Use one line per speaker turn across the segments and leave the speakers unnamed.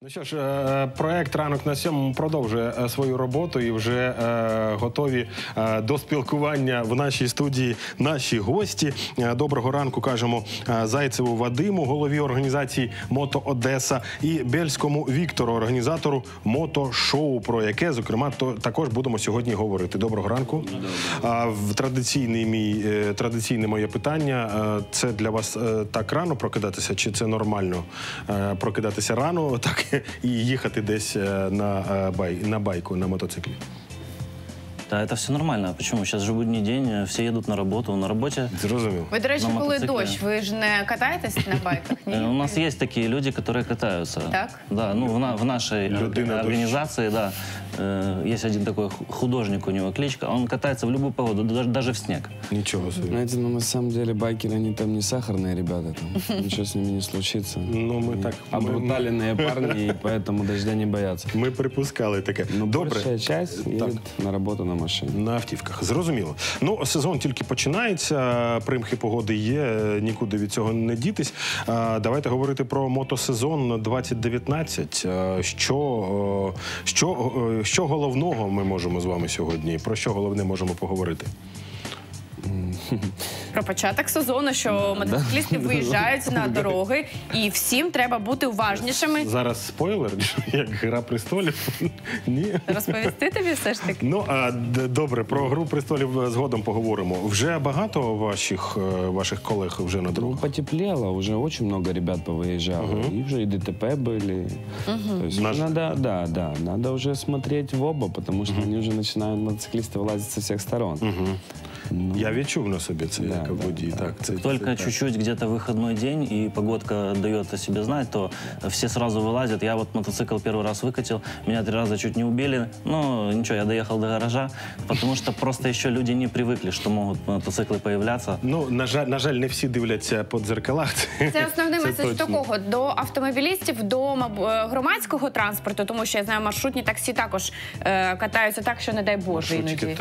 Ну що ж, проект «Ранок на 7» продовжує свою роботу і вже готові до спілкування в нашій студії наші гості. Доброго ранку кажемо Зайцеву Вадиму, голові організації «Мото Одеса», і Бєльському Віктору, організатору мотошоу, про яке, зокрема, також будемо сьогодні говорити. Доброго ранку. Традиційне моє питання. Це для вас так рано прокидатися, чи це нормально прокидатися рано, так і їхати десь на байку, на мотоциклі?
Да, это все нормально. Почему? Сейчас же будний день, все едут на работу. На работе.
Зрозумів.
Ви, до речі, коли дощ, ви ж не катаєтесь на байках? Ні?
У нас есть такие люди, которые катаются.
Так?
Да, ну в нашей организации, да, есть один такой художник, у него кличка, он катается в любую погоду, даже в снег.
Ничего себе.
Знаете, ну на самом деле байкеры, они там не сахарные ребята, там ничего с ними не случится.
Ну, мы так...
Обруталенные парни, и поэтому дождя не боятся.
Ми припускали таке.
Но
Добре.
большая часть едет на работу на машине.
На автівках. Зрозуміло. Ну, сезон тільки починається, примхи погоди є, нікуди від цього не дітись. Давайте говорити про мотосезон 2019. Що головного ми можемо з вами сьогодні? Про що головне можемо поговорити?
Про початок сезону, що мотоциклісти виїжджають на дороги, і всім треба бути уважнішими.
Зараз спойлер, як «Гра престолів». Ні?
Розповісти тобі все ж таки?
Ну, добре, про «Гру престолів» згодом поговоримо. Вже багато ваших колег вже на
Ну,
дорогах?
потеплело, уже очень много ребят повыезжало. И уже и ДТП были. То есть надо уже смотреть в оба, потому что они уже начинают, мотоциклисты, вылазить со всех сторон.
Ну, я відчув на собі це як водій.
Только чуть-чуть где-то выходной день, и погодка дает о себе знать, то все сразу вылазят. Я вот мотоцикл первый раз выкатил, меня 3 раза чуть не убили. Но ничего, я доехал до гаража, потому что просто еще люди не привыкли, что могут мотоциклы появляться.
Ну, на жаль, не всі дивляться по дзеркалах.
Це основний меседж до кого? До автомобілістів, до громадського транспорту, тому що, я знаю, маршрутні таксі також катаються так, що не дай Боже іноді.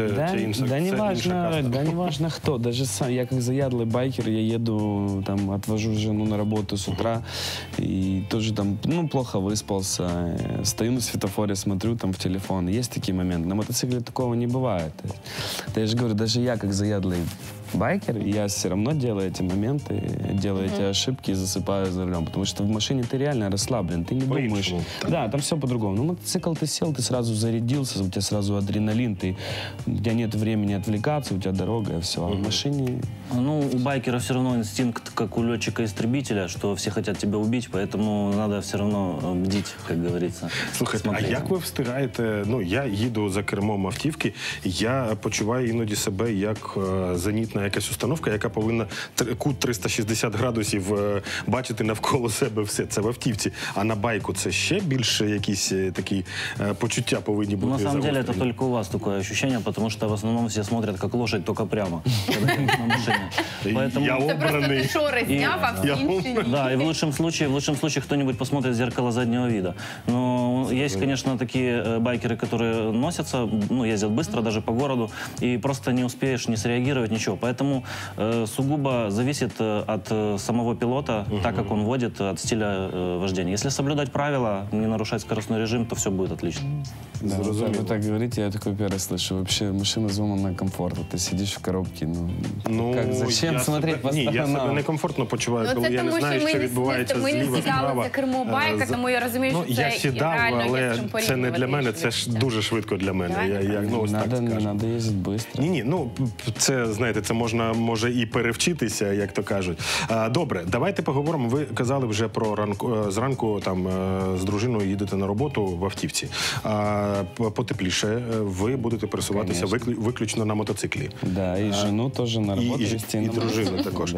Да не важно кто, даже сам, я как заядлый байкер, я еду, там, отвожу жену на работу с утра, и тоже там, ну, плохо выспался, стою на светофоре, смотрю там в телефон, есть такие моменты. На мотоцикле такого не бывает. Я же говорю, даже я как заядлый байкер, я все равно делаю эти моменты, делаю эти ошибки и засыпаю за рулем, потому что в машине ты реально расслаблен, ты не думаешь. Да, там все по-другому. Ну, мотоцикл ты сел, ты сразу зарядился, у тебя сразу адреналин, у тебя нет времени отвлекаться, у тебя дорога, и все. А в машине...
Ну, у байкера все равно инстинкт, как у летчика-истребителя, что все хотят тебя убить, поэтому надо все равно бдить, как говорится.
Слухайте, а як ви встигаєте? Ну, я їду за кермом автівки, я почуваю іноді себе як зенітна якась установка, яка повинна кут 360 градусів бачити навколо себе все. Це в автівці. А на байку це ще більше якісь такі почуття повинні бути
загострені? На самом деле, это только у вас такое ощущение, потому что в основном все смотрят, как лошадь, только прямо, когда едут на машине.
Я
Це просто
обраний.
ти шори зняв, а всі інші ні.
Да, и в лучшем случае кто-нибудь посмотрит в зеркало заднего вида. Но есть, конечно, такие байкеры, которые носятся, ну, ездят быстро даже по городу, и просто не успеешь не среагировать, ничего. Поэтому сугубо зависит от самого пилота, так как он водит, от стиля вождения. Если соблюдать правила, не нарушать скоростной режим, то все будет отлично.
Да, вы так говорите, я такой первый слышу. Вообще машина задумана комфортно. Ты сидишь в коробке, ну как, зачем смотреть по сторонам?
Ні, я себе некомфортно почуваю,
Ну,
коли
це
я не
тому,
знаю,
що
що
ми
відбувається
не
зліва,
сідали
справа.
за кермо байка, тому я розумію,
Ну,
що
я
це
сідав,
реально
але
є з чим
це не для мене,
порівнювати.
це ж дуже швидко для мене. Я ось так скажу.
Надо ездить быстро.
Ні, ну, це, знаєте, це можна, може, і перевчитися, як то кажуть. Добре, давайте поговоримо. Ви казали вже про зранку там з дружиною їдете на роботу в автівці. Потепліше, ви будете пересуватися виключно на мотоциклі.
Да, и жену тоже на работу везти.
І дружину також.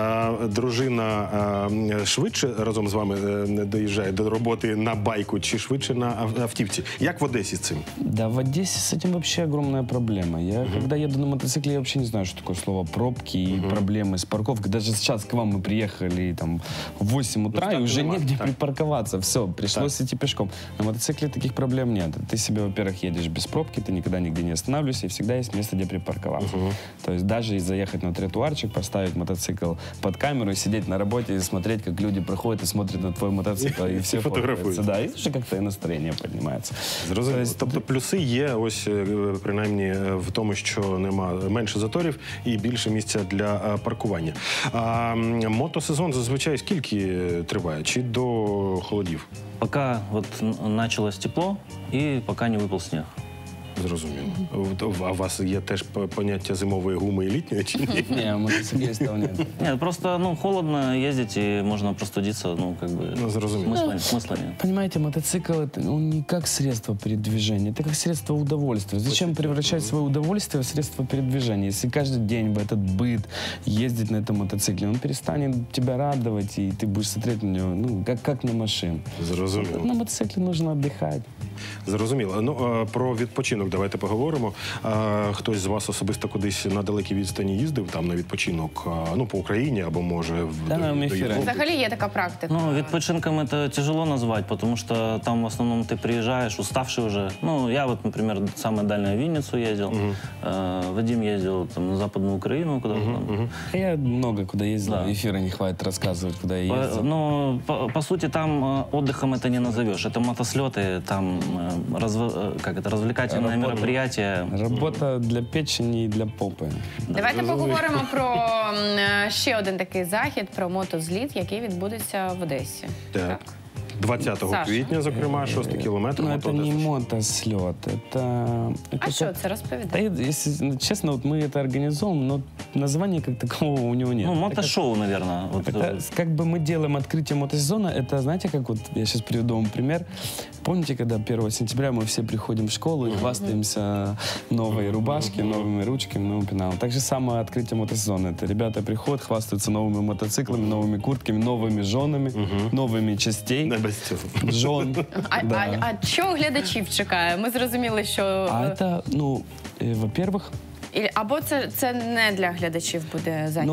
Дружина швидше разом з вами доїжджає до роботи на байку чи швидше на автівці? Як в Одесі з цим?
Да, в Одессе с этим вообще огромная проблема. Я, когда еду на мотоцикле, я вообще не знаю, что такое слово Курахово пробки и проблемы с парковкой. Даже сейчас к вам мы приехали там, в 8 утра, и уже негде припарковаться. Все, пришлось идти пешком. На мотоцикле таких проблем нет. Ты себе, во-первых, едешь без пробки, ты никогда нигде не останавливаешься, и всегда есть место, где припарковаться. То есть даже заехать на тротуарчик, поставить мотоцикл под камеру и сидеть на работе и смотреть, как люди проходят и смотрят на твой мотоцикл, и все фотографуются. Да, и уже как-то и настроение піднімається.
Зрозуміло. Тобто плюси є, ось принаймні в тому, що нема менше заторів і більше місця для паркування. А мотосезон зазвичай скільки триває? Чи до холодів?
Пока вот началось тепло и пока не выпал снег.
Зрозуміло. А у вас є теж поняття зимової гуми і літньої, чи ні?
Не, мотоциклистов нет.
Нет, просто, холодно ездить и можно простудиться,
Зрозуміло.
смысла нет.
Понимаете, мотоцикл это не как средство передвижения, это как средство удовольствия. Зачем превращать свое удовольствие в средство передвижения? Если каждый день в этот быт ездить на этом мотоцикле, он перестанет тебя радовать, и ты будешь смотреть на него, как на машину.
Зрозуміло.
На мотоцикле нужно отдыхать.
Зрозуміло. Ну, про відпочинок давайте поговоримо. Хтось з вас особисто кудись на далекій відстані їздив там на відпочинок, по Україні або, може, до Європи?
Взагалі є така практика.
Відпочинком это тяжело назвать, потому что там в основном ты приезжаешь уставший уже. Я вот, например, самое дальнее в Винницу ездил, Вадим ездил там, на Западную Украину куда-то там.
Я много куда ездил, эфира не хватит рассказывать, куда я ездил.
По сути, там отдыхом это не назовешь. Это мотослеты, там развлекательное мероприятие.
Работа для печени і для попи.
Давайте поговоримо про ще один такий захід, про мотозліт, який відбудеться в Одесі.
Так. 20 квітня, зокрема, 6 кілометр.
Это не мотослет,
А що це? Розповідає.
Да, если честно, вот мы это организуем, но названия как такового у него нет.
Мотошоу, наверное.
Это как бы мы делаем открытие мотосезона, это, знаете, как вот, я сейчас приведу вам пример. Помните, когда 1 сентября мы все приходим в школу и хвастаемся новой рубашки, новыми ручками, новым пеналом. Так же самое открытие мотосезона. Это ребята приходят, хвастаются новыми мотоциклами, новыми куртками, новыми женами, новыми частей. Жон.
А що глядачів чекає? Ми зрозуміли, що...
Это, во-первых...
Або це не для глядачів буде захід?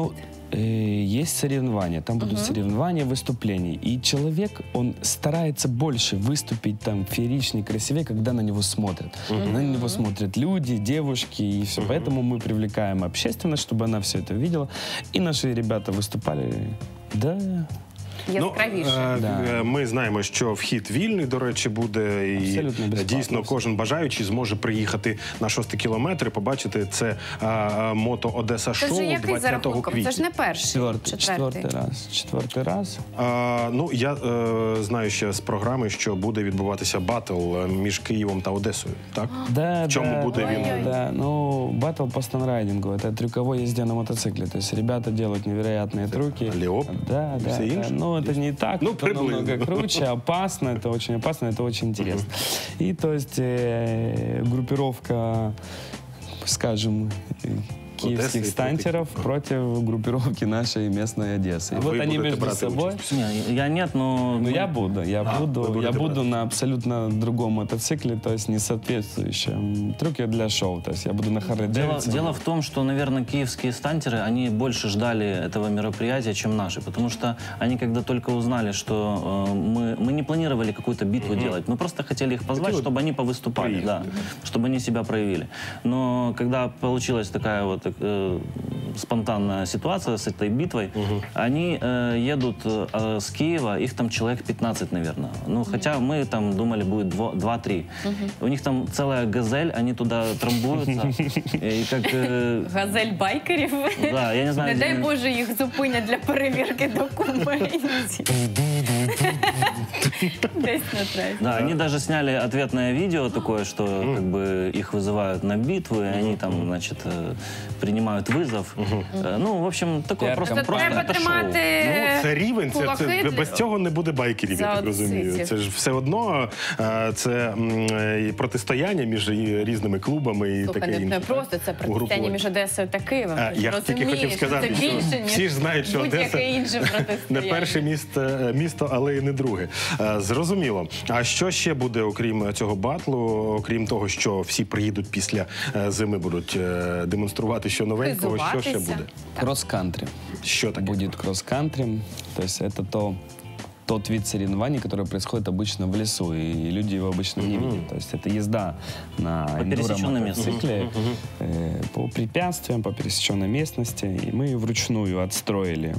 Есть соревнования, там будут соревнования, выступления. И человек, он старается больше выступить там фееричнее, красивее, когда на него смотрят. На него смотрят люди, девушки, и все. Поэтому мы привлекаем общественность, чтобы она все это видела. И наши ребята выступали,
Яскравіше.
Ми знаємо, що вхід вільний, до речі, буде. І дійсно кожен бажаючий зможе приїхати на 6 кілометр і побачити це мото Одеса шоу 20 квітня.
Це ж не перший,
четвертий раз.
Я знаю ще з програми, що буде відбуватися батл між Києвом та Одесою, так?
В
чому буде він?
Батл по станрайдингу, это трюковой езде на мотоцикле. То есть ребята делают невероятные трюки.
Леоп?
Все инше? Это не так, это намного круче, опасно, это очень опасно, это очень интересно. И то есть группировка, скажем, киевских стантеров против группировки нашей местной Одессы. И вот они между собой...
Я нет, но...
Я буду на абсолютно другом мотоцикле, то есть не соответствующем трюке для шоу. То есть я буду на Харли Дэвидсоне.
Дело в том, что, наверное, киевские стантеры, они больше ждали этого мероприятия, чем наши, потому что они когда только узнали, что мы не планировали какую-то битву делать, мы просто хотели их позвать, чтобы они повыступали, чтобы они себя проявили. Но когда получилась такая вот спонтанная ситуация с этой битвой, они едут с Киева, их там человек 15, наверное. Хотя мы там думали, будет 2-3. У них там целая газель, они туда трамбуются. И как...
Газель байкерів?
Да, я не знаю.
Не дай Боже, їх зупинять для перевірки документів. Десь на трасі.
Да, они даже сняли ответное видео такое, что как бы их вызывают на битву, и они там, значит, принимают вызов. В общем, такое просто
треба тримати
це рівень, без цього не буде байкерів, я так розумію. Це ж все одно, це протистояння між різними клубами і таке інше.
Не просто це протистояння між Одесою та Києвом.
Я тільки хотів сказати, що всі ж знають, що Одеса не перше місто, але і не друге. Зрозуміло. А що ще буде, окрім цього батлу, окрім того, що всі приїдуть після зими, будуть демонструвати що новенького, що
змагатися.
буде?
Кросс-кантри.
Що таке?
Будет кросс-кантри. То есть это тот вид соревнований, который происходит обычно в лесу, и люди его обычно не видят. То есть это езда на
пересеченной
эндуро-мотоцикле по препятствиям, по пересеченной местности. И мы вручную отстроили,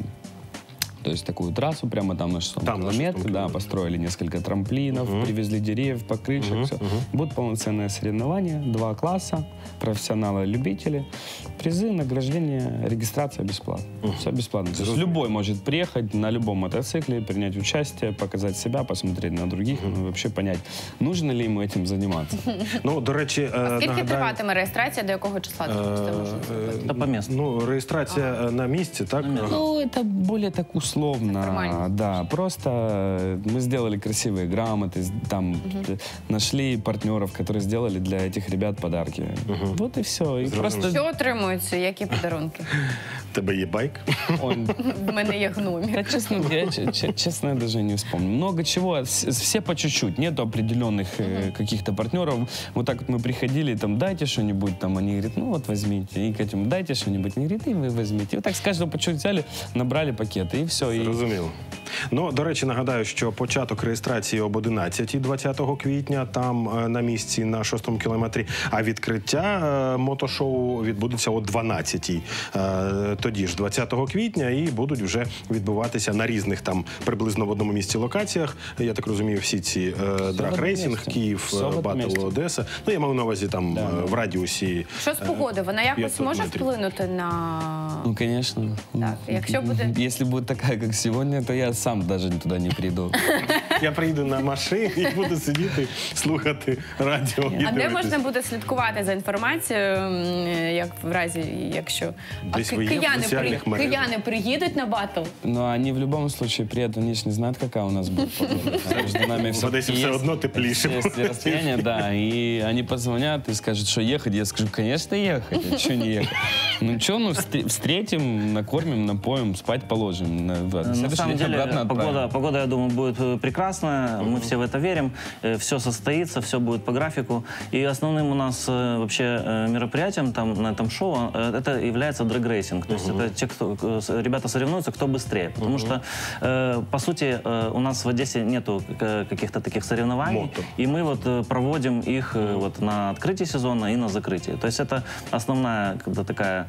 то есть такую трассу прямо там на 6
Там, на 6
километре, да,
километре.
построили несколько трамплинов, привезли деревьев, покрышек, все. Будет полноценное соревнование, 2 класса, профессионалы и любители, призы, награждение, регистрация бесплатно. Все бесплатно. То есть любой может приехать на любом мотоцикле, принять участие, показать себя, посмотреть на других, ну, и вообще понять, нужно ли ему этим заниматься.
Ну, до речі,
Скільки триватиме реєстрація, до якого числа це можна зробити?
Это по месту.
Ну, реєстрація на місці, так?
Ну, это более так условно,
Формально.
да, просто мы сделали красивые грамоты, там нашли партнеров, которые сделали для этих ребят подарки. Вот и все. И просто
Що отримуються, які подарунки?
Тебе є байк?
он...
В мене є гномі.
Я, честно, я даже не вспомню. Много чего, все по чуть-чуть, нету определенных каких-то партнеров. Вот так вот мы приходили, там, дайте что-нибудь, там, они говорят, ну вот возьмите. И к этому, дайте что-нибудь, они говорят, и вы возьмите. И вот так с каждого по чуть взяли, набрали пакеты, и все. И...
Зрозуміло. Ну, до речі, нагадаю, що початок реєстрації об 11 20 квітня, там на місці на 6-му кілометрі, а відкриття мотошоу відбудеться о 12-й. Тоді ж 20 квітня, і будуть вже відбуватися на різних там приблизно в одному місці локаціях. Я так розумію, всі ці драг-рейсинг, Київ, Батл, Одеса. Ну, я маю на увазі там в радіусі.
Що з погодою? Вона якось
500
може
метрів.
вплинути на...
Ну, конечно.
Так, якщо буде...
Если будет такая, как сегодня, то я сам даже туда не приду.
Я приїду на машині і буду сидіти, слухати радіо. і
А де
дивитись.
можна буде слідкувати за інформацією, як в разі, якщо
Десь ви є в соціальних мережах?
кияни приїдуть на батл?
Но они в любом случае приедут, они ж не знают, какая у нас будет погода. Между нами
В
всё-таки
Одесі все
есть-
одно тепліше.
есть расстояние, да, и они позвонят и скажут, что ехать. Я скажу, конечно, ехать, а что не ехать? Ну что, ну встретим, накормим, напоим, спать положим. На
На
следующий
самом
день
деле,
обратно отправим.
погода, я думаю, будет прекрасная. Мы все в это верим. Все состоится, все будет по графику. И основным у нас вообще мероприятием там, на этом шоу это является дрэг-рейсинг. То есть это те, кто, ребята соревнуются, кто быстрее. Потому что, по сути, у нас в Одессе нету каких-то таких соревнований.
Мото.
И мы вот проводим их вот на открытии сезона и на закрытии. То есть это основная когда такая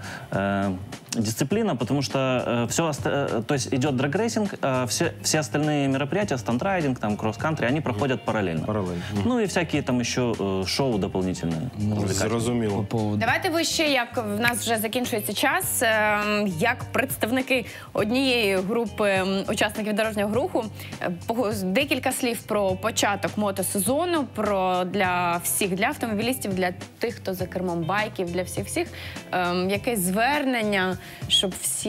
дисциплина, потому что то есть идет драг-рейсинг, все остальные мероприятия, стандрайдинг, там, кросс-кантри, они проходят параллельно.
Паралельно.
Ну и всякие там еще шоу дополнительные.
По
Зрозуміло.
поводу...
Давайте ви ще, як в нас вже закінчується час, як представники однієї групи учасників дорожнього руху, декілька слів про початок мотосезону, про для всіх, для автомобілістів, для тих, хто за кермом байків, для всіх, якесь звернення, щоб всі...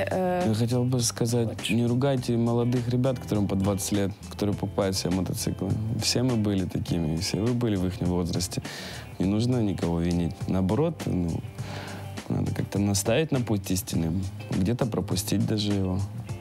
Я хотел бы сказать, не ругайте молодых ребят, которым по 20 лет, которые покупают себе мотоциклы. Все мы были такими, все вы были в их возрасте. Не нужно никого винить. Наоборот, ну, надо как-то наставить на путь истины, где-то пропустить даже его.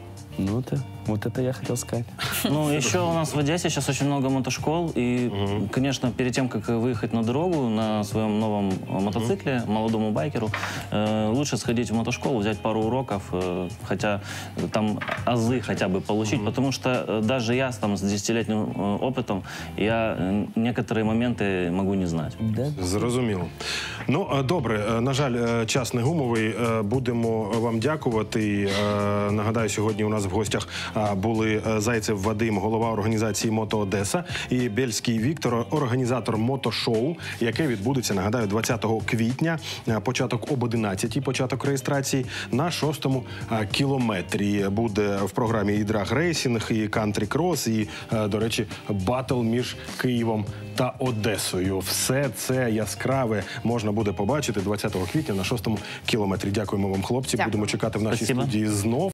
Ну, вот это я хотел сказать.
Ну, еще у нас в Одессе сейчас очень много мотошкол, и, конечно, перед тем, как выехать на дорогу на своем новом мотоцикле, молодому байкеру, лучше сходить в мотошколу, взять пару уроков, хотя там азы хотя бы получить, потому что даже я там с 10-летним опытом, я некоторые моменты могу не знать.
Да?
Зрозуміло. Ну, добре, на жаль, час не гумовий. Будемо вам дякувати. Нагадаю, сьогодні у нас в гостях були Зайцев Вадим, голова організації «Мото Одеса», і Бєльський Віктор, організатор мотошоу, яке відбудеться, нагадаю, 20 квітня, початок об 11-й, початок реєстрації, на 6-му кілометрі. Буде в програмі і драг-рейсинг, і кантрі-крос, і, до речі, батл між Києвом та Одесою. Все це яскраве можна буде побачити 20 квітня на 6-му кілометрі. Дякуємо вам, хлопці.
Дякую.
Будемо чекати в нашій
Спасибо.
студії знов.